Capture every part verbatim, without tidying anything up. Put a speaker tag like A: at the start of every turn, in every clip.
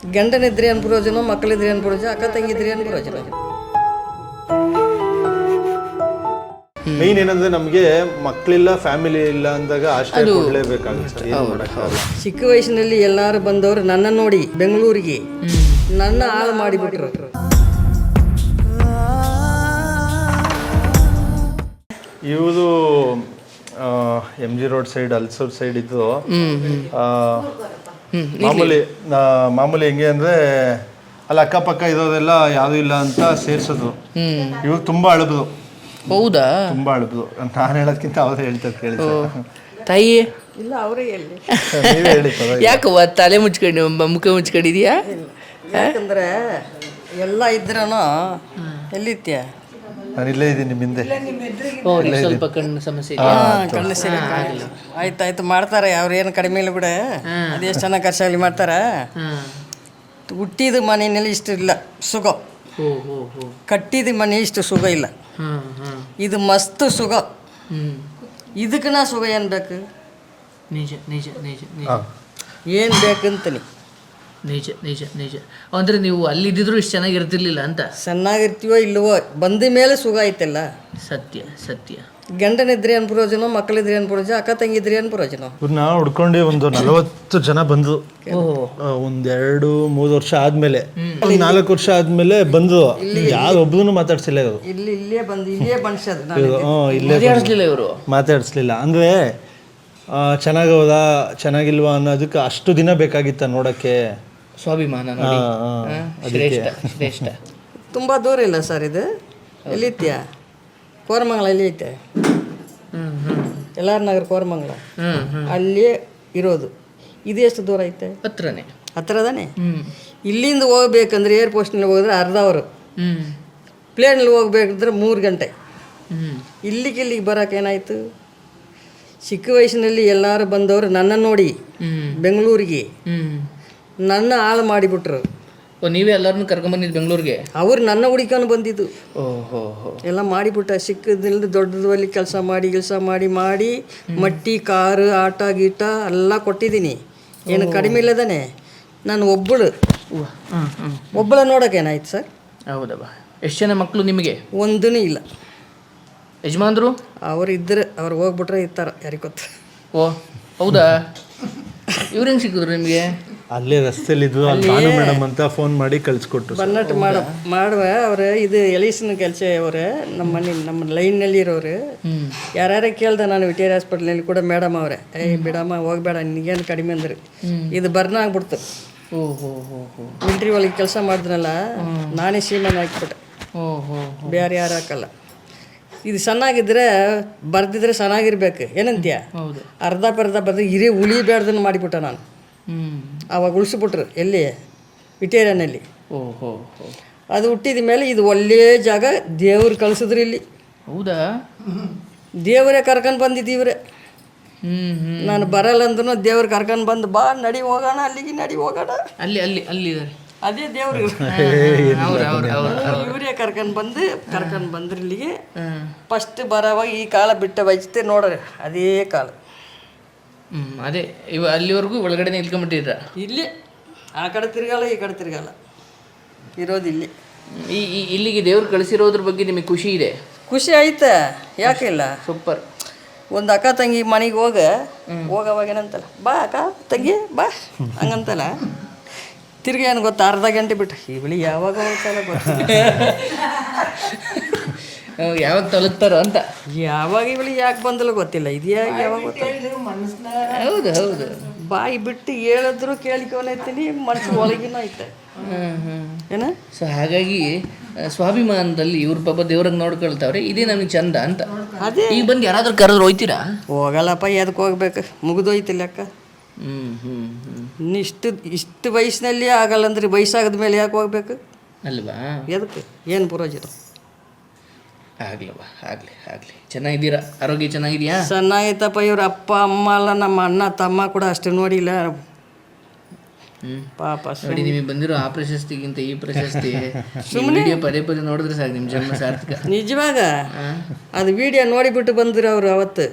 A: ಗಂಡನಿದ್ರೆ ಏನು ಪ್ರಯೋಜನ, ಮಕ್ಕಳಿದ್ರೆ ಏನು ಪ್ರಯೋಜನ, ಅಕ್ಕ ತಂಗಿದ್ರೆ ಏನು ಪ್ರಯೋಜನ.
B: ಮೇನ್ ಏನಂದ್ರೆ ನಮಗೆ ಮಕ್ಕಳಿಲ್ಲ, ಫ್ಯಾಮಿಲಿ ಇಲ್ಲ ಅಂದಾಗ ಆಶ್ರಯ ಕೊಡಲೇಬೇಕಾಗುತ್ತೆ.
A: ಚಿಕ್ಕ ವಯಸ್ಸಿನಲ್ಲಿ ಎಲ್ಲಾರು ಬಂದವರು ನನ್ನ ನೋಡಿ ಬೆಂಗಳೂರಿಗೆ ನನ್ನ ಹಾಳು ಮಾಡಿಬಿಟ್ರು.
B: ಇವುದು M G road side, Ulsoor side ಇದ್ದು ಮಾಮೂಲಿ ಮಾಮೂಲಿ ಹೆಂಗೆ ಅಂದ್ರೆ ಅಲ್ಲಿ ಅಕ್ಕಪಕ್ಕ ಇರೋದೆಲ್ಲ ಯಾವ್ದು ಇಲ್ಲ ಅಂತ ಸೇರ್ಸೋದು. ಇವಾಗ ತುಂಬಾ ಅಳಬದು.
C: ಹೌದಾ?
B: ತುಂಬಾ ಅಳಬದು. ನಾನು ಹೇಳೋದಕ್ಕಿಂತ ಅವ್ರು ಹೇಳ್ತಾರೆ, ಕೇಳಿ
C: ತಾಯಿ.
A: ಇಲ್ಲ ಅವರೇ ಹೇಳಿ,
B: ನೀವೇ ಹೇಳಿ.
C: ಯಾಕವ್ವ ತಲೆ ಮುಚ್ಕೊಂಡು ಮುಖ ಮುಚ್ಕೊಂಡಿದ್ಯಾ?
A: ಯಾಕಂದ್ರೆ ಎಲ್ಲ ಇದ್ರನು ಎಲ್ಲಿತ್ಯ,
B: ನಾನು ಇಲ್ಲೇ ಇದ್ದೀನಿ ನಿಮ್ಮ ಹಿಂದೆ.
C: ಸ್ವಲ್ಪ ಕಣ್ಣು ಸಮಸ್ಯೆ
A: ಕಣ್ಣು ಸೀರೆ ಆಯ್ತಾಯ್ತು ಮಾಡ್ತಾರೆ. ಅವ್ರು ಏನು ಕಡಿಮೆ ಇಲ್ಲ ಬಿಡ, ಅದೆಷ್ಟು ಚೆನ್ನಾಗಿ ಖರ್ಚಾಗಲಿ ಮಾಡ್ತಾರೆ. ಹುಟ್ಟಿದ ಮನೆಯಲ್ಲಿ ಇಷ್ಟು ಇಲ್ಲ ಸುಖ, ಕಟ್ಟಿದ ಮನೆ ಇಷ್ಟು ಸುಖ ಇಲ್ಲ. ಇದು ಮಸ್ತ್ ಸುಖ. ಇದಕ್ಕೆ ನಾ ಸುಖ ಏನು ಬೇಕು?
C: ನಿಜ ನಿಜ ನಿಜ ನಿಜ.
A: ಏನು ಬೇಕಂತೀನಿ
C: ನಿಜ ನಿಜ ನಿಜ. ಅಂದರೆ ನೀವು ಅಲ್ಲಿದ್ದಿದ್ರು ಇಷ್ಟು ಚೆನ್ನಾಗಿರ್ತಿರ್ಲಿಲ್ಲ ಅಂತ.
A: ಚೆನ್ನಾಗಿರ್ತೀವೋ ಇಲ್ಲವೋ, ಬಂದ ಮೇಲೆ ಸುಖ ಐತಲ್ಲ.
C: ಸತ್ಯ ಸತ್ಯ.
A: ಗಂಡನಿದ್ರೆ ಏನು ಪ್ರಯೋಜನ, ಮಕ್ಕಳಿದ್ರೆ ಏನು ಪ್ರಯೋಜನ, ಅಕ್ಕ ತಂಗಿದ್ರೆ ಏನು ಪ್ರಯೋಜನ.
B: ಇವ್ರನ್ನ ಹುಡ್ಕೊಂಡು ಒಂದು ನಲವತ್ತು ಜನ ಬಂದು ಒಂದೆರಡು ಮೂರು ವರ್ಷ ಆದ್ಮೇಲೆ, ಒಂದ್ ನಾಲ್ಕು ವರ್ಷ ಆದ್ಮೇಲೆ ಬಂದು ಯಾರು ಒಬ್ಬನು ಮಾತಾಡ್ಸಿಲ್ಲ ಇವರು.
A: ಇಲ್ಲಿ ಇಲ್ಲೇ ಬಂದು ಇಲ್ಲೇ ಬಣ್ಸೋದು.
B: ಇಲ್ಲೇ
C: ಮಾತಾಡಿಸ್ಲಿಲ್ಲ ಇವರು,
B: ಮಾತಾಡಿಸ್ಲಿಲ್ಲ. ಅಂದ್ರೆ ಚೆನ್ನಾಗೌದಾ ಚೆನ್ನಾಗಿಲ್ವಾ ಅನ್ನೋದಕ್ಕೆ ಅಷ್ಟು ದಿನ ಬೇಕಾಗಿತ್ತ ನೋಡಕ್ಕೆ.
C: ಸ್ವಾಭಿಮಾನ ನೋಡಿ. ಶ್ರೇಷ್ಠ ಶ್ರೇಷ್ಠ.
A: ತುಂಬ ದೂರ ಇಲ್ಲ ಸರ್ ಇದು. ಎಲ್ಲಿತ್ಯ? ಕೋರಮಂಗಲ ಎಲ್ಲಿ ಐತೆ? ಎಲ್ಲಾರ ನಗರ ಕೋರಮಂಗಲ, ಅಲ್ಲೇ ಇರೋದು. ಇದು ಎಷ್ಟು ದೂರ ಐತೆ?
C: ಹತ್ರನೇ,
A: ಹತ್ರದಾನೆ. ಇಲ್ಲಿಂದ ಹೋಗ್ಬೇಕಂದ್ರೆ ಏರ್ ಪೋಸ್ಟ್ನಲ್ಲಿ ಹೋಗಿದ್ರೆ ಅರ್ಧ ಅವರು, ಪ್ಲೇನಲ್ಲಿ ಹೋಗ್ಬೇಕಂದ್ರೆ ಮೂರು ಗಂಟೆ. ಇಲ್ಲಿಗೆ ಇಲ್ಲಿಗೆ ಬರೋಕೆ ಏನಾಯಿತು? ಚಿಕ್ಕ ವಯಸ್ಸಿನಲ್ಲಿ ಎಲ್ಲರೂ ಬಂದವರು ನನ್ನ ನೋಡಿ ಬೆಂಗಳೂರಿಗೆ ನನ್ನ ಹಾಳು ಮಾಡಿಬಿಟ್ರು.
C: ಓ, ನೀವೇ ಎಲ್ಲರನ್ನೂ ಕರ್ಕೊಂಬಂದಿದ್ದು ಬೆಂಗಳೂರಿಗೆ?
A: ಅವ್ರು ನನ್ನ ಹುಡುಕೊಂಡು ಬಂದಿದ್ದು.
C: ಓಹೋ,
A: ಎಲ್ಲ ಮಾಡಿಬಿಟ್ಟ. ಚಿಕ್ಕದಿಲ್ಲದೆ ದೊಡ್ಡದಲ್ಲಿ ಕೆಲಸ ಮಾಡಿ ಕೆಲಸ ಮಾಡಿ ಮಾಡಿ ಮಟ್ಟಿ ಕಾರು ಆಟ ಗೀಟ ಎಲ್ಲ ಕೊಟ್ಟಿದ್ದೀನಿ. ಏನು ಕಡಿಮೆ ಇಲ್ಲದಾನೆ. ನಾನು ಒಬ್ಬಳು ಒಬ್ಬಳ ನೋಡೋಕೇನಾಯ್ತು ಸರ್?
C: ಹೌದವ್ವ. ಎಷ್ಟು ಜನ ಮಕ್ಕಳು ನಿಮಗೆ?
A: ಒಂದೂ ಇಲ್ಲ.
C: ಯಜಮಾನ್ರು
A: ಅವ್ರು ಇದ್ರೆ ಅವ್ರು ಹೋಗ್ಬಿಟ್ರೆ ಇರ್ತಾರ, ಯಾರಿಗೆ ಗೊತ್ತು.
C: ಓ ಹೌದಾ? ಇವ್ರು ಹೆಂಗೆ ಸಿಕ್ಕಿದ್ರು ನಿಮಗೆ?
B: ಅಲ್ಲೇ ರಸ್ತೆಯಲ್ಲಿ ಇದ್ವು. ಭಾನು ಮೇಡಮ್ ಅಂತ ಫೋನ್ ಮಾಡಿ ಕಳಿಸ್ಕೊಟ್ರು.
A: ಬನ್ನಟ್ ಮಾಡ ಮಾಡುವ ಅವ್ರು ಇದು ಎಲಿಸಿನ ಕೆಲಸ. ಅವ್ರೆ ನಮ್ಮ ಮನೆ ನಮ್ಮ ಲೈನ್ನಲ್ಲಿ ಇರೋರು ಯಾರ್ಯಾರ ಕೇಳ್ದೆ ನಾನು ವಿಟೇರಿ ಹಾಸ್ಪಿಟ್ಲಲ್ಲಿ ಕೂಡ ಮೇಡಮ್ ಅವರೇ, ಏಯ್ ಬಿಡಮ್ಮ ಹೋಗ್ಬೇಡ ನಿಗೇನು ಕಡಿಮೆ ಅಂದ್ರೆ ಇದು ಬರ್ನ ಆಗ್ಬಿಡ್ತು.
C: ಓಹೋ ಹೋ ಹೋ.
A: ಮಿಲ್ಟ್ರಿ ಒಳಗೆ ಕೆಲಸ ಮಾಡಿದ್ನಲ್ಲ, ನಾನೇ ಸೀಮೆನ ಹಾಕ್ಬಿಟ್ಟೆ,
C: ಓಹೋ
A: ಬೇರೆ ಯಾರು ಹಾಕಲ್ಲ. ಇದು ಚೆನ್ನಾಗಿದ್ರೆ ಬರ್ದಿದ್ರೆ ಚೆನ್ನಾಗಿರ್ಬೇಕು ಏನಂತೀಯ?
C: ಹೌದು.
A: ಅರ್ಧ ಪರ್ಧ ಬರ್ದು ಹಿರಿ ಉಳಿಬೇಡ್ದನ್ನು ಮಾಡಿಬಿಟ್ಟ ನಾನು. ಆವಾಗ ಉಳಿಸ್ಬಿಟ್ರು ಎಲ್ಲಿ? ವಿಟೇರಿಯನಲ್ಲಿ.
C: ಓಹೋ.
A: ಅದು ಹುಟ್ಟಿದ ಮೇಲೆ ಇದು ಒಳ್ಳೆ ಜಾಗ ದೇವ್ರು ಕಳಿಸಿದ್ರು ಇಲ್ಲಿ.
C: ಹೌದಾ?
A: ದೇವರೇ ಕರ್ಕೊಂಡು ಬಂದಿದ್ದೀವ್ರೆ.
C: ಹ್ಮ್.
A: ನಾನು ಬರಲ್ಲ ಅಂದ್ರೂ ದೇವ್ರು ಕರ್ಕೊಂಡು ಬಂದು ಬಾ ನಡಿ ಹೋಗೋಣ, ಅಲ್ಲಿಗೆ ನಡಿ ಹೋಗೋಣ.
C: ಅಲ್ಲಿ ಅಲ್ಲಿ ಅಲ್ಲಿ ಇದ್ದಾರೆ.
A: ಅದೇ ದೇವ್ರು ಇವರೇ ಕರ್ಕೊಂಡು ಬಂದು ಕರ್ಕೊಂಡು ಬಂದ್ರೆ ಇಲ್ಲಿಗೆ. ಫಸ್ಟ್ ಬರೋವಾಗ ಈ ಕಾಲ ಬಿಟ್ಟ ಬಯಚತೆ ನೋಡ್ರಿ, ಅದೇ ಕಾಲ.
C: ಹ್ಮ್ ಅದೇ ಇವ ಅಲ್ಲಿವರೆಗೂ ಒಳಗಡೆ ನಿಲ್ಕೊಂಡ್ಬಿಟ್ಟಿದ್ರ?
A: ಇಲ್ಲಿ ಆ ಕಡೆ ತಿರ್ಗಲ್ಲ, ಈ ಕಡೆ ತಿರ್ಗಲ್ಲ, ಇರೋದು ಇಲ್ಲಿ.
C: ಈ ಇಲ್ಲಿಗೆ ದೇವ್ರು ಕಳಿಸಿರೋದ್ರ ಬಗ್ಗೆ ನಿಮಗೆ ಖುಷಿ ಇದೆ?
A: ಖುಷಿ ಆಯ್ತಾ, ಯಾಕೆ ಇಲ್ಲ?
C: ಸೂಪರ್.
A: ಒಂದು ಅಕ್ಕ ತಂಗಿ ಮನೆಗೆ ಹೋಗ ಹೋಗವಾಗ ಏನಂತಲ್ಲ, ಬಾ ಅಕ್ಕ ತಂಗಿ ಬಾ ಹಂಗಂತಲ್ಲ. ತಿರ್ಗಿ ಏನು ಗೊತ್ತಾ, ಅರ್ಧ ಗಂಟೆ ಬಿಟ್ಟು ಇವಳಿ ಯಾವಾಗ ಹೋಗ್ತಾರ ಗೊತ್ತಿಲ್ಲ,
C: ಯಾವಾಗ ತಲುಪ್ತಾರೋ ಅಂತ.
A: ಯಾವಾಗ ಇವಳಿ ಯಾಕೆ ಬಂದಲ್ಲ ಗೊತ್ತಿಲ್ಲ, ಇದು ಯಾಕೆ ಯಾವಾಗ
C: ಹೌದು ಹೌದು.
A: ಬಾಯಿ ಬಿಟ್ಟು ಹೇಳಿದ್ರು ಕೇಳಿಕೊನೈತೀನಿ, ಮನಸ್ಸು ಒಳಗಿನ ಐತೆ ಏನ.
C: ಸೊ ಹಾಗಾಗಿ ಸ್ವಾಭಿಮಾನದಲ್ಲಿ ಇವ್ರ ಪಾಪ ದೇವ್ರಂಗೆ ನೋಡ್ಕೊಳ್ತಾವ್ರೆ, ಇದೇ ನಮಗೆ ಚಂದ ಅಂತ.
A: ಅದೇ
C: ಈಗ ಬಂದು ಯಾರಾದ್ರೂ ಕರೆದ್ರು ಹೋಯ್ತೀರಾ?
A: ಹೋಗಲ್ಲಪ್ಪ, ಎದಕ್ಕೆ ಹೋಗ್ಬೇಕು, ಮುಗಿದೋಯ್ತಿಲ್ಲ ಅಕ್ಕ.
C: ಹ್ಮ್ ಹ್ಮ್ ಹ್ಮ್
A: ಇಷ್ಟು ಇಷ್ಟು ವಯಸ್ಸಿನಲ್ಲಿ ಆಗಲ್ಲ ಅಂದ್ರೆ ವಯಸ್ಸಾಗದ ಮೇಲೆ ಯಾಕೆ ಹೋಗ್ಬೇಕು
C: ಅಲ್ವಾ?
A: ಎದಕ್ಕೆ ಏನು ಪ್ರಯೋಜನ?
C: ಆಗ್ಲವಾ, ಆಗಲಿ ಆಗಲಿ. ಚೆನ್ನಾಗಿದ್ದೀರಾ? ಆರೋಗ್ಯ ಚೆನ್ನಾಗಿದೆಯಾ? ಚೆನ್ನಾಗೈತಪ್ಪ.
A: ಇವ್ರ ಅಪ್ಪ ಅಮ್ಮ ಅಲ್ಲ, ನಮ್ಮ ಅಣ್ಣ ತಮ್ಮ ಕೂಡ ಅಷ್ಟು ನೋಡಿಲ್ಲ ಪಾಪ.
C: ನೋಡಿ, ನಿಮಗೆ ಬಂದಿರೋ ಆ ಪ್ರಶಸ್ತಿಗಿಂತ ಈ ಪ್ರಶಸ್ತಿ ವಿಡಿಯೋ ಪದೇ ಪದೇ ನೋಡಿದ್ರೆ ಸಾಕು, ನಿಮ್ಮ ಜನ್ಮ ಸಾರ್ಥಕ.
A: ನಿಜವಾಗ ಅದು ವಿಡಿಯೋ ನೋಡಿಬಿಟ್ಟು ಬಂದ್ರು ಅವರು ಅವತ್ತು.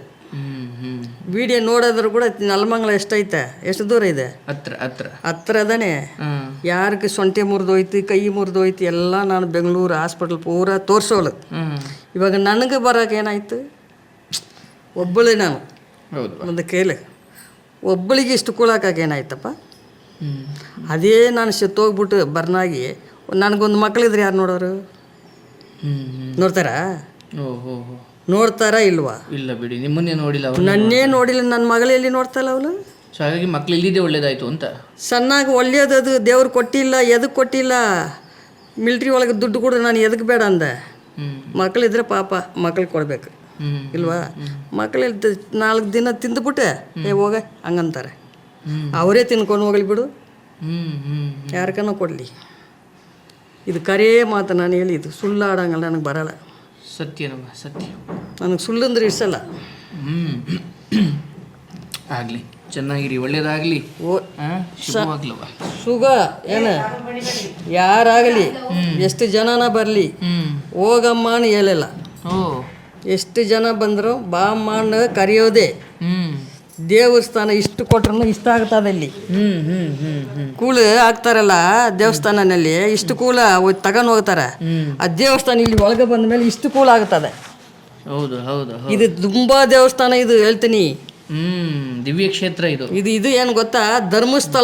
A: ವಿಡಿಯೋ ನೋಡೋದ್ರು ಕೂಡ ನೆಲಮಂಗಲ ಎಷ್ಟೈತೆ, ಎಷ್ಟು ದೂರ ಇದೆ?
C: ಹತ್ರ ಹತ್ರ
A: ಹತ್ರ ಅದಾನೆ. ಯಾರಿಗೆ ಸೊಂಟೆ ಮುರಿದೋಯ್ತು ಕೈ ಮುರಿದೋಯ್ತು ಎಲ್ಲ ನಾನು ಬೆಂಗಳೂರು ಹಾಸ್ಪಿಟ್ಲ್ ಪೂರಾ ತೋರಿಸೋಳು. ಇವಾಗ ನನಗೆ ಬರೋಕೆ ಏನಾಯ್ತು, ಒಬ್ಬಳೇ ನಾನು
C: ಹೌದು.
A: ಒಂದು ಕೇಳಿ ಒಬ್ಬಳಿಗೆ ಇಷ್ಟು ಕೂಳಾಕಾಗ ಏನಾಯ್ತಪ್ಪ. ಅದೇ ನಾನು ಸತ್ತೋಗ್ಬಿಟ್ಟು ಬರ್ನಾಗಿ ನನಗೊಂದು ಮಕ್ಕಳಿದ್ರೆ ಯಾರು ನೋಡೋರು? ನೋಡ್ತಾರಾ?
C: ಓಹೋ
A: ನೋಡ್ತಾರಾ ಇಲ್ವಾ?
C: ಇಲ್ಲ ಬಿಡಿ, ನಿಮ್ಮನ್ನೇ ನೋಡಿಲ್ಲ ಅವ್ರು.
A: ನನ್ನೇ ನೋಡಿಲ್ಲ, ನನ್ನ ಮಗಳಲ್ಲಿ ನೋಡ್ತಾಯಿಲ್ಲ ಅವಳು.
C: ಸೊ ಹಾಗಾಗಿ ಮಕ್ಳು ಇಲ್ಲಿದ್ದೇ ಒಳ್ಳೇದಾಯ್ತು ಅಂತ.
A: ಸಣ್ಣಾಗಿ ಒಳ್ಳೇದದು ದೇವ್ರು ಕೊಟ್ಟಿಲ್ಲ, ಎದಕ್ಕೆ ಕೊಟ್ಟಿಲ್ಲ. ಮಿಲ್ಟ್ರಿ ಒಳಗೆ ದುಡ್ಡು ಕೊಡು, ನಾನು ಎದಕ್ಕೆ ಬೇಡ ಅಂದೆ. ಮಕ್ಕಳಿದ್ರೆ ಪಾಪ ಮಕ್ಳಿಗೆ ಕೊಡ್ಬೇಕು ಇಲ್ವಾ? ಮಕ್ಕಳು ನಾಲ್ಕು ದಿನ ತಿಂದುಬಿಟ್ಟೆ ಏ ಹೋಗ ಹಂಗಂತಾರೆ. ಅವರೇ ತಿನ್ಕೊಂಡು ಹೋಗಲಿ ಬಿಡು, ಯಾರಿಗನೋ ಕೊಡಲಿ. ಇದು ಕರೇ ಮಾತು ನಾನು ಹೇಳಿದ್ದು, ಸುಳ್ಳು ಆಡಂಗಲ್ಲ, ನನಗೆ ಬರಲ್ಲ.
C: ಸತ್ಯನಮ್ಮ ಸತ್ಯ.
A: ನನಗೆ ಸುಳ್ಳು ಅಂದ್ರೆ ಇಷ್ಟಲ್ಲ.
C: ಹ್ಞೂ ಆಗಲಿ, ಚೆನ್ನಾಗಿರಿ, ಒಳ್ಳೇದಾಗಲಿ.
A: ಓ
C: ಶುಭವಾಗ್ಲವ.
A: ಸುಗ ಏನ ಯಾರಾಗಲಿ ಎಷ್ಟು ಜನನ ಬರಲಿ ಹೋಗಮ್ಮ ಅನ್ ಹೇಳಿಲ್ಲ.
C: ಓ
A: ಎಷ್ಟು ಜನ ಬಂದರು ಬಾ ಅಮ್ಮ ಅನ್ನ ಕರೆಯೋದೆ. ದೇವಸ್ಥಾನ ಇಷ್ಟು ಕೊಟ್ರು ಇಷ್ಟ ಆಗ್ತದೆ. ಇಲ್ಲಿ ಕೂಳು ಹಾಕ್ತಾರಲ್ಲ ದೇವಸ್ಥಾನದಲ್ಲಿ, ಇಷ್ಟು ಕೂಲ ತಗೊಂಡು ಹೋಗ್ತಾರೆ. ಆ ದೇವಸ್ಥಾನ ಇಲ್ಲಿ ಒಳಗೆ ಬಂದ ಮೇಲೆ ಇಷ್ಟು ಕೂಲ ಆಗ್ತದೆ.
C: ಹೌದು ಹೌದು.
A: ಇದು ತುಂಬಾ ದೇವಸ್ಥಾನ, ಇದು ಹೇಳ್ತೀನಿ.
C: ಹ್ಮ್ ದಿವ್ಯ ಕ್ಷೇತ್ರ ಇದು.
A: ಇದು ಇದು ಏನು ಗೊತ್ತಾ, ಧರ್ಮಸ್ಥಳ.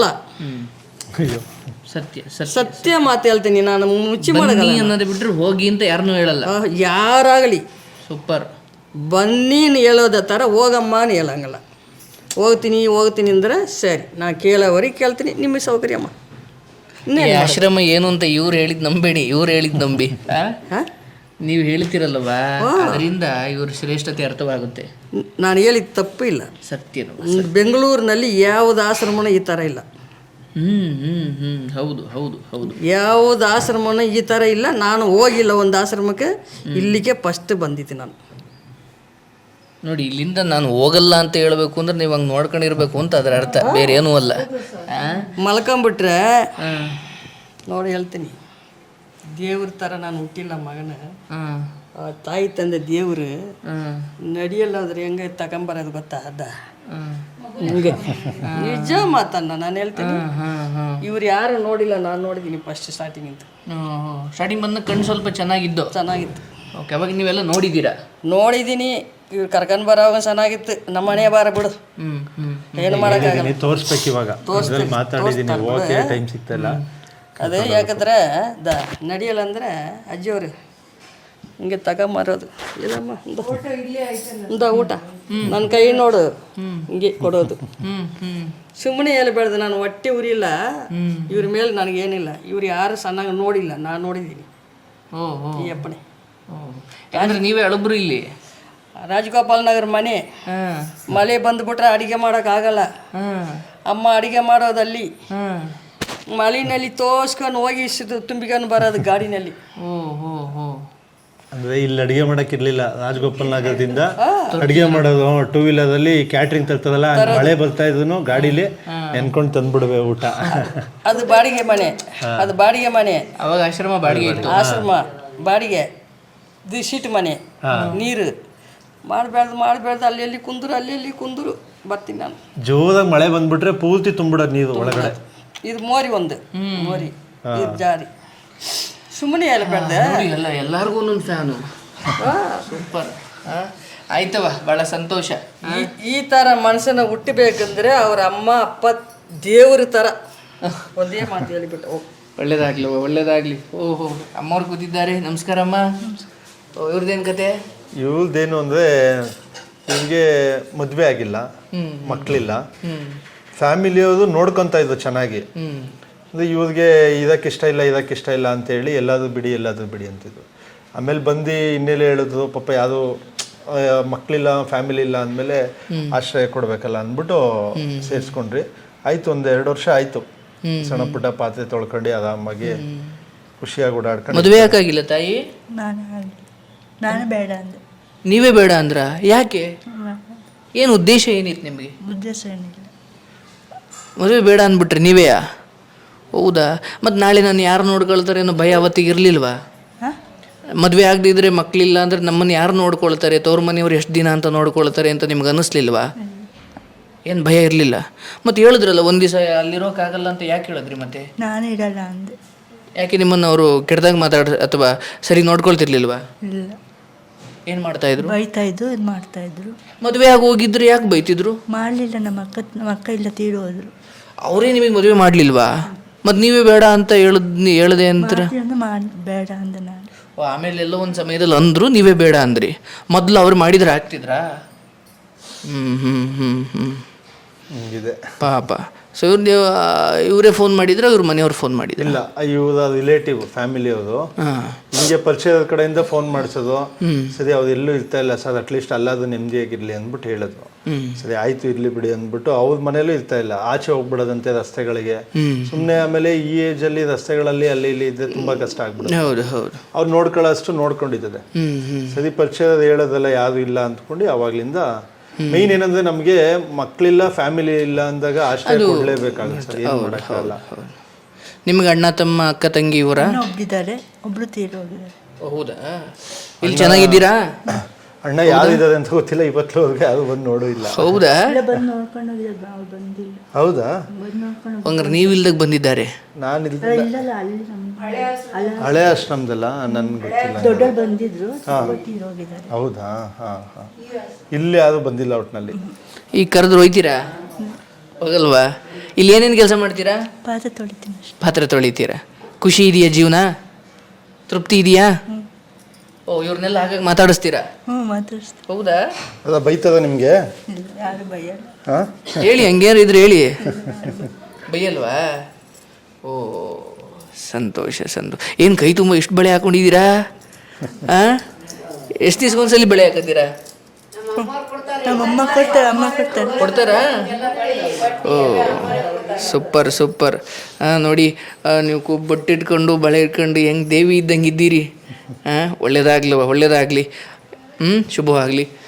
C: ಸತ್ಯ ಸತ್ಯ
A: ಸತ್ಯ ಮಾತು ಹೇಳ್ತೀನಿ ನಾನು, ಮುಚ್ಚಿ ಮಾಡಲ್ಲ
C: ಅನ್ನೋದು ಬಿಟ್ಟರೆ ಹೋಗಿ ಅಂತ ಯಾರನ್ನೂ ಹೇಳಲ್ಲ.
A: ಯಾರಾಗಲಿ
C: ಸೂಪರ್. ಬನ್ನಿ
A: ಹೇಳೋದ ಥರ ಹೋಗಮ್ಮ ಅಂತ ಹೇಳಂಗಲ್ಲ. ಹೋಗ್ತೀನಿ ಹೋಗ್ತೀನಿ ಅಂದ್ರೆ ಸರಿ, ನಾ ಕೇಳೋವರಿಗೆ ಕೇಳ್ತೀನಿ, ನಿಮಗೆ ಸೌಕರ್ಯಮ್ಮ.
C: ಆಶ್ರಮ ಏನು ಅಂತ ಇವ್ರು ಹೇಳಿದ್ ನಂಬೇಡಿ, ಇವ್ರು ಹೇಳಿದ್ ನಂಬಿ. ನೀವು ಹೇಳ್ತಿರಲ್ವಾ, ಅದರಿಂದ ಇವ್ರ ಶ್ರೇಷ್ಠತೆ ಅರ್ಥವಾಗುತ್ತೆ.
A: ನಾನು ಹೇಳಿದ ತಪ್ಪು ಇಲ್ಲ.
C: ಸತ್ಯನು.
A: ಬೆಂಗಳೂರಿನಲ್ಲಿ ಯಾವುದು ಆಶ್ರಮನ ಈ ಥರ ಇಲ್ಲ.
C: ಹ್ಮ್ ಹ್ಮ್ ಹ್ಮ್ ಹೌದು ಹೌದು ಹೌದು.
A: ಯಾವುದು ಆಶ್ರಮನ ಈ ಥರ ಇಲ್ಲ. ನಾನು ಹೋಗಿಲ್ಲ ಒಂದು ಆಶ್ರಮಕ್ಕೆ, ಇಲ್ಲಿಗೆ ಫಸ್ಟ್ ಬಂದಿದ್ದೆ ನಾನು.
C: ನೋಡಿ, ಇಲ್ಲಿಂದ ನಾನು ಹೋಗಲ್ಲ ಅಂತ ಹೇಳ್ಬೇಕು ಅಂದ್ರೆ ನೀವು ಹಂಗೆ ನೋಡ್ಕೊಂಡಿರ್ಬೇಕು ಅಂತ ಅದರ ಅರ್ಥ, ಬೇರೆ ಏನೂ ಅಲ್ಲ.
A: ಮಲ್ಕೊಂಬಿಟ್ರೆ ನೋಡಿ ಹೇಳ್ತೀನಿ, ದೇವ್ರ ಥರ ನಾನು ಹುಟ್ಟಿಲ್ಲ ಮಗನ. ತಾಯಿ ತಂದೆ ದೇವ್ರು ನಡಿಯಲ್ಲ ಹೋದ್ರೆ ಹೆಂಗೆ ತಗೊಂಬರೋದು ಗೊತ್ತಾ? ಅದ ಹಂಗೆ ನಿಜ ಮಾತನ್ನ ನಾನು ಹೇಳ್ತೀನಿ. ಇವ್ರು ಯಾರು ನೋಡಿಲ್ಲ, ನಾನು ನೋಡಿದ್ದೀನಿ ಫಸ್ಟ್ ಸ್ಟಾರ್ಟಿಂಗ್ ಅಂತ. ಸ್ಟಾರ್ಟಿಂಗ್ ಬಂದ ಕಣ್ಣು ಸ್ವಲ್ಪ ಚೆನ್ನಾಗಿದ್ದು ಚೆನ್ನಾಗಿತ್ತು. ಓಕೆ, ಅವಾಗ ನೀವೆಲ್ಲ ನೋಡಿದ್ದೀರಾ? ನೋಡಿದ್ದೀನಿ. ಇವ್ರು ಕರ್ಕೊಂಡು ಬರೋವಾಗ ಚೆನ್ನಾಗಿತ್ತು. ನಮ್ಮ ಮನೆ ಬಾರ ಬಿಡು, ಏನು ಮಾಡೋಕ್ಕಾಗಲ್ಲ.
B: ತೋರಿಸ್ಬೇಕು ಇವಾಗ, ಮಾತಾಡಿದ್ದೀನಿ, ಓಕೆ ಟೈಮ್ ಸಿಗ್ತಾಯಿಲ್ಲ.
A: ಅದೇ ಯಾಕಂದ್ರೆ ದ ನಡಿಯಲ್ಲ ಅಂದರೆ ಅಜ್ಜಿಯವರು ಹಿಂಗೆ ತಗೊಂಬರೋದು. ಇಲ್ಲಮ್ಮ ಇಂದ ಊಟ ನನ್ನ ಕೈ ನೋಡು ಹಿಂಗೆ ಕೊಡೋದು. ಸುಮ್ಮನೆ ಹೇಳ್ಬೇಡ್ದು, ನಾನು ಹೊಟ್ಟೆ ಉರಿಲ್ಲ. ಇವ್ರ ಮೇಲೆ ನನಗೇನಿಲ್ಲ. ಇವ್ರು ಯಾರು ಸಣ್ಣಗೆ ನೋಡಿಲ್ಲ, ನಾನು ನೋಡಿದ್ದೀನಿ. ಈ ಅಪ್ಪಣೆ
C: ಯಾಕಂದ್ರೆ ನೀವೇ ಅಳಬ್ರು ಇಲ್ಲಿ.
A: ರಾಜಗೋಪಾಲ್ ನಗರ ಮನೆ. ಮಳೆ ಬಂದುಬಿಟ್ರೆ ಅಡುಗೆ ಮಾಡೋಕ್ಕಾಗಲ್ಲ. ಅಮ್ಮ ಅಡುಗೆ ಮಾಡೋದಲ್ಲಿ ಮಳೆನಲ್ಲಿ ತೋರ್ಸ್ಕೊಂಡು ಹೋಗಿ ತುಂಬಿಕೊಂಡು ಬರೋದು ಗಾಡಿನಲ್ಲಿ.
B: ಅಂದ್ರೆ ಇಲ್ಲಿ ಅಡಿಗೆ ಮಾಡಕ್ ಇರ್ಲಿಲ್ಲ. ರಾಜಗೋಪಾಲ್ ನಗರದಿಂದ ಅಡಿಗೆ ಮಾಡೋದು ಟೂ ವೀಲರ್ ಅಲ್ಲಿ ಕ್ಯಾಟ್ರಿಂಗ್ ತರ್ತದಲ್ಲ, ಮಳೆ ಬರ್ತಾ ಇದ್ರು ಗಾಡಿಲಿ ನೆನ್ಕೊಂಡು ತಂದ್ಬಿಡ್ವೆ ಊಟ.
A: ಅದು ಬಾಡಿಗೆ ಮನೆ, ಅದು ಬಾಡಿಗೆ ಮನೆ.
C: ಅವಾಗ ಆಶ್ರಮ ಬಾಡಿಗೆ ಇತ್ತು.
A: ಆಶ್ರಮ ಬಾಡಿಗೆ, ಇದು ಶೀಟ್ ಮನೆ. ನೀರು ಮಾಡಬೇಡ್ದು ಮಾಡಬೇಡ್ದು ಅಲ್ಲಿ ಅಲ್ಲಿ ಕುಂದ್ರು, ಅಲ್ಲಿ ಅಲ್ಲಿ ಕುಂದ್ರು ಬರ್ತೀನಿ ನಾನು.
B: ಜೋರಾಗಿ ಮಳೆ ಬಂದ್ಬಿಟ್ರೆ ಪೂರ್ತಿ ತುಂಬಿಡೋದು ನೀರು ಒಳಗಡೆ.
A: ಇದು ಮೋರಿ ಒಂದು ಮೋರಿ, ಇದು ಜಾರಿ. ಸುಮ್ಮನೆ ಹೇಳ್ಬೇಡ್ದೆ,
C: ಎಲ್ಲ ಎಲ್ಲರಿಗೂ ಒಂದೊಂದು ಫ್ಯಾನು. ಸೂಪರ್. ಆಯ್ತವ, ಭಾಳ ಸಂತೋಷ.
A: ಈ ಥರ ಮನುಷ್ಯನ ಹುಟ್ಟಬೇಕಂದ್ರೆ ಅವ್ರ ಅಮ್ಮ ಅಪ್ಪ ದೇವ್ರ ಥರ. ಒಂದೇ ಮಾತು ಹೇಳಿಬಿಟ್ಟು ಹೋಗಿ.
C: ಒಳ್ಳೇದಾಗ್ಲಿ ಒಳ್ಳೇದಾಗ್ಲಿ. ಓಹೋ, ಅಮ್ಮವ್ರು ಕೂತಿದ್ದಾರೆ. ನಮಸ್ಕಾರ ಅಮ್ಮ. ಇವ್ರದ್ದೇನು ಕತೆ?
B: ಇವ್ರದ್ದೇನು ಅಂದರೆ, ಇವ್ರಿಗೆ ಮದುವೆ ಆಗಿಲ್ಲ, ಮಕ್ಕಳಿಲ್ಲ. ಫ್ಯಾಮಿಲಿಯವರು ನೋಡ್ಕೊತಾ ಇದ್ರು ಚೆನ್ನಾಗಿ. ಅಂದರೆ ಇವ್ರಿಗೆ ಇದಕ್ಕೆ ಇಷ್ಟ ಇಲ್ಲ ಇದಕ್ಕೆ ಇಷ್ಟ ಇಲ್ಲ ಅಂತೇಳಿ ಎಲ್ಲಾದರೂ ಬಿಡಿ ಎಲ್ಲಾದರೂ ಬಿಡಿ ಅಂತಿದ್ರು. ಆಮೇಲೆ ಬಂದು ಇನ್ನೆಲ್ಲ ಹೇಳಿದ್ರು, ಪಾಪ ಯಾವುದೋ ಮಕ್ಕಳಿಲ್ಲ ಫ್ಯಾಮಿಲಿ ಇಲ್ಲ ಅಂದಮೇಲೆ ಆಶ್ರಯ ಕೊಡಬೇಕಲ್ಲ ಅಂದ್ಬಿಟ್ಟು ಸೇರಿಸ್ಕೊಂಡ್ರಿ. ಆಯಿತು, ಒಂದು ಎರಡು ವರ್ಷ ಆಯಿತು. ಸಣ್ಣ ಪುಟ್ಟ ಪಾತ್ರೆ ತೊಳ್ಕೊಂಡು ಆರಾಮಾಗಿ ಖುಷಿಯಾಗಿ ಓಡಾಡ್ಕೊಂಡು.
C: ಮದುವೆ ಯಾಕಾಗಿಲ್ಲ ತಾಯಿ?
D: ನಾನು ಬೇಡ ಅಂದೆ.
C: ನೀವೇ ಬೇಡ ಅಂದ್ರ? ಯಾಕೆ? ಏನು ಉದ್ದೇಶ ಏನಿತ್ತು ನಿಮಗೆ?
D: ಉದ್ದೇಶ ಏನಿಲ್ಲ,
C: ಮದುವೆ ಬೇಡ ಅಂದ್ಬಿಟ್ರಿ ನೀವೇ? ಹೌದಾ? ಮತ್ತು ನಾಳೆ ನಾನು ಯಾರು ನೋಡ್ಕೊಳ್ತಾರೆ ಅನ್ನೋ ಭಯ ಅವತ್ತಿಗೆ ಇರಲಿಲ್ವಾ? ಮದುವೆ ಆಗದಿದ್ರೆ ಮಕ್ಕಳಿಲ್ಲ ಅಂದರೆ ನಮ್ಮನ್ನು ಯಾರು ನೋಡ್ಕೊಳ್ತಾರೆ, ತವ್ರ ಮನೆಯವ್ರು ಎಷ್ಟು ದಿನ ಅಂತ ನೋಡ್ಕೊಳ್ತಾರೆ ಅಂತ ನಿಮ್ಗೆ ಅನ್ನಿಸ್ಲಿಲ್ವಾ? ಏನು ಭಯ ಇರಲಿಲ್ಲ? ಮತ್ತು ಹೇಳಿದ್ರಲ್ಲ ಒಂದು ದಿವಸ ಅಲ್ಲಿರೋಕ್ಕಾಗಲ್ಲ ಅಂತ ಯಾಕೆ ಹೇಳಿದ್ರಿ ಮತ್ತೆ?
D: ನಾನು ಇರಲ್ಲ ಅಂದೆ.
C: ಯಾಕೆ ನಿಮ್ಮನ್ನು ಅವರು ಕೆಟ್ಟದಾಗ ಮಾತಾಡ ಅಥವಾ ಸರಿ ನೋಡ್ಕೊಳ್ತಿರ್ಲಿಲ್ವಾ?
D: ಇಲ್ಲ,
C: ಏನು ಮಾಡ್ತಾ ಇದ್ರು?
D: ಬೈತಾ ಇದ್ದು ಇದು ಮಾಡ್ತಾ ಇದ್ರು.
C: ಮದುವೆ ಆಗಿ ಹೋಗಿದ್ರು ಯಾಕೆ ಬೈತಿದ್ರು?
D: ಮಾಡಲಿಲ್ಲ, ನಮ್ಮ ಅಕ್ಕ ನಮ್ಮ ಅಕ್ಕ ಇಲ್ಲ ತೀರು ಹೋದ್ರು.
C: ಅವರೇ ನಿಮಗೆ ಮದುವೆ ಮಾಡಲಿಲ್ವಾ? ಮತ್ತು ನೀವೇ ಬೇಡ ಅಂತ ಹೇಳದ್ ಹೇಳದೆ ಅಂತೀರ?
D: ಮಾಡಿ ಬೇಡ ಅಂದೆ ನಾನು.
C: ಆಮೇಲೆ ಎಲ್ಲೋ ಒಂದು ಸಮಯದಲ್ಲಿ ಅಂದರು, ನೀವೇ ಬೇಡ ಅಂದ್ರಿ. ಮೊದಲು ಅವ್ರು ಮಾಡಿದ್ರೆ ಆಗ್ತಿದ್ರಾ? ಹ್ಞೂ ಹ್ಞೂ ಹ್ಞೂ ಹ್ಞೂ
B: ಹಿಂಗಿದೆ
C: ಪಾಪ. ಸೊ ಇವ್ರು ನೀವು ಇವರೇ ಫೋನ್ ಮಾಡಿದ್ರೆ ಇವ್ರ ಮನೆಯವ್ರು ಫೋನ್ ಮಾಡಿದ್ರು?
B: ಇಲ್ಲ, ಇವ್ರ ರಿಲೇಟಿವ್ ಫ್ಯಾಮಿಲಿ ಅವರು
C: ಹಾಂ.
B: ಹಿಂಗೆ ಪರಿಚಯದ ಕಡೆಯಿಂದ ಫೋನ್ ಮಾಡಿಸೋದು. ಸರಿ, ಅವ್ರು ಎಲ್ಲೂ ಇರ್ತಾ ಇಲ್ಲ ಸರ್, ಅಟ್ಲೀಸ್ಟ್ ಅಲ್ಲಾದ್ರೂ ನೆಮ್ಮದಿಯಾಗಿರ್ಲಿ ಅಂದ್ಬಿಟ್ಟು ಹೇಳಿದ್ರು. ಸರಿ ಆಯ್ತು ಇರ್ಲಿ ಬಿಡಿ ಅಂದ್ಬಿಟ್ಟು ಅವ್ರ ಮನೇಲೂ ಇರ್ತಾ ಇಲ್ಲ, ಆಚೆ ಹೋಗ್ಬಿಡೋದಂತೆ ರಸ್ತೆಗಳಿಗೆ. ಸುಮ್ಮನೆ ಆಮೇಲೆ ಈ ಏಜ್ ಅಲ್ಲಿ ರಸ್ತೆಗಳಲ್ಲಿ ಅಲ್ಲಿ ಇಲ್ಲಿ ಇದ್ರೆ ತುಂಬಾ ಕಷ್ಟ ಆಗ್ಬಿಡುತ್ತೆ.
C: ಹೌದು ಹೌದು.
B: ಅವ್ರು ನೋಡ್ಕೊಳ್ಳೋಷ್ಟು ನೋಡ್ಕೊಂಡಿದ್ದಾರೆ. ಸರಿ ಪರಿಚಯದ ಹೇಳೋದೆಲ್ಲ ಯಾರು ಇಲ್ಲ ಅಂದ್ಕೊಂಡು ಅವಾಗ್ಲಿಂದ ಮೇನ್ ಏನಂದ್ರೆ ನಮ್ಗೆ ಮಕ್ಳಿಲ್ಲ ಫ್ಯಾಮಿಲಿ ಇಲ್ಲ ಅಂದಾಗ ಆಶ್ರಯ ಕೊಡ್ಲೇಬೇಕಾಗುತ್ತೆ ಸರ್, ಏನು ಮಾಡೋಕ್ಕಾಗಲ್ಲ.
C: ನಿಮ್ಗೆ ಅಣ್ಣ ತಮ್ಮ ಅಕ್ಕ ತಂಗಿ ಇವರ?
D: ಒಬ್ಬಿದ್ದಾರೆ, ಒಬ್ರು ತೀರು ಹೋಗಿದ್ದಾರೆ.
C: ಹೌದಾ? ಇಲ್ಲಿ ಚೆನ್ನಾಗಿದ್ದೀರಾ?
B: ಅಣ್ಣ ಯಾರಿದ್ದಾರೆ ಅಂತ ಗೊತ್ತಿಲ್ಲ, ಇವತ್ತುವರೆಗೆ ಯಾರು ಬಂದು ನೋಡೂ ಇಲ್ಲ.
C: ಹೌದಾ?
D: ಬಂದು ನೋಡ್ಕೊಂಡು ಹೋಗಿದ್ದಾರೆ, ಅವ್ರು ಬಂದಿಲ್ಲ.
B: ಹೌದಾ?
D: ಬಂದು ನೋಡ್ಕೊಂಡು
C: ಹಂಗಾರೆ ನೀವು ಇಲ್ದಾಗ ಬಂದಿದ್ದಾರೆ?
B: ನಾನು
D: ಇಲ್ಲಲ್ಲ, ಅಲ್ಲಿ ನಮ್ಮ
B: ಹಳೆ ಆಶ್ರಮದಲ್ಲ, ನನ್ಗೆ ಗೊತ್ತಿಲ್ಲ.
D: ದೊಡ್ಡವ್ರು ಬಂದಿದ್ರು, ತೀರು ಹೋಗಿದ್ದಾರೆ.
B: ಹೌದಾ? ಹಾ ಹಾ ಇಲ್ಲಿ ಯಾರು ಬಂದಿಲ್ಲ ಒಟ್ಟಿನಲ್ಲಿ.
C: ಈಗ ಕರೆದ್ರು ಹೋಯ್ತೀರಾ? ಹೋಗಲ್ವಾ? ಇಲ್ಲಿ ಏನೇನು ಕೆಲಸ ಮಾಡ್ತೀರಾ?
D: ಪಾತ್ರೆ ತೊಳಿತೀನಿ ಅಷ್ಟೇ.
C: ಪಾತ್ರೆ ತೊಳಿತೀರಾ? ಖುಷಿ ಇದೆಯಾ ಜೀವನ? ತೃಪ್ತಿ ಇದೆಯಾ? ಓ, ಇವ್ರನ್ನೆಲ್ಲ ಹಾಗಾಗಿ ಮಾತಾಡಿಸ್ತೀರಾ?
D: ಹ್ಞೂ ಮಾತಾಡಿಸ್ತೀನಿ.
C: ಹೌದಾ?
B: ಅದ ಬೈತದ ನಿಮಗೆ?
D: ಇಲ್ಲ, ಯಾರು ಬೈಯಲ್ಲ.
B: ಹಾ
C: ಹೇಳಿ, ಹಂಗೇನು ಇದ್ರೆ ಹೇಳಿ. ಬೈಯಲ್ವಾ? ಓ ಸಂತೋಷ ಸಂತೋಷ. ಏನು ಕೈ ತುಂಬ ಇಷ್ಟು ಬಳೆ ಹಾಕೊಂಡಿದ್ದೀರಾ? ಹಾಂ, ಎಷ್ಟು ದಿವ್ಸಕ್ಕೊಂದ್ಸಲಿ ಬಳೆ ಹಾಕತ್ತೀರಾ?
D: ನಮ್ಮ ಅಮ್ಮ ಕೊಡ್ತಾರೆ, ಅಮ್ಮ ಕೊಡ್ತಾರೆ.
C: ಕೊಡ್ತಾರಾ? Oh super super. ಹಾಂ ನೋಡಿ, ನೀವು ಕು ಬೊಟ್ಟಿಟ್ಕೊಂಡು ಬಳೆ ಇಟ್ಕೊಂಡು ಹೆಂಗೆ ದೇವಿ ಇದ್ದಂಗೆ ಇದ್ದೀರಿ. ಹಾಂ, ಒಳ್ಳೇದಾಗ್ಲವ, ಒಳ್ಳೇದಾಗಲಿ. ಹ್ಞೂ, ಶುಭವಾಗಲಿ.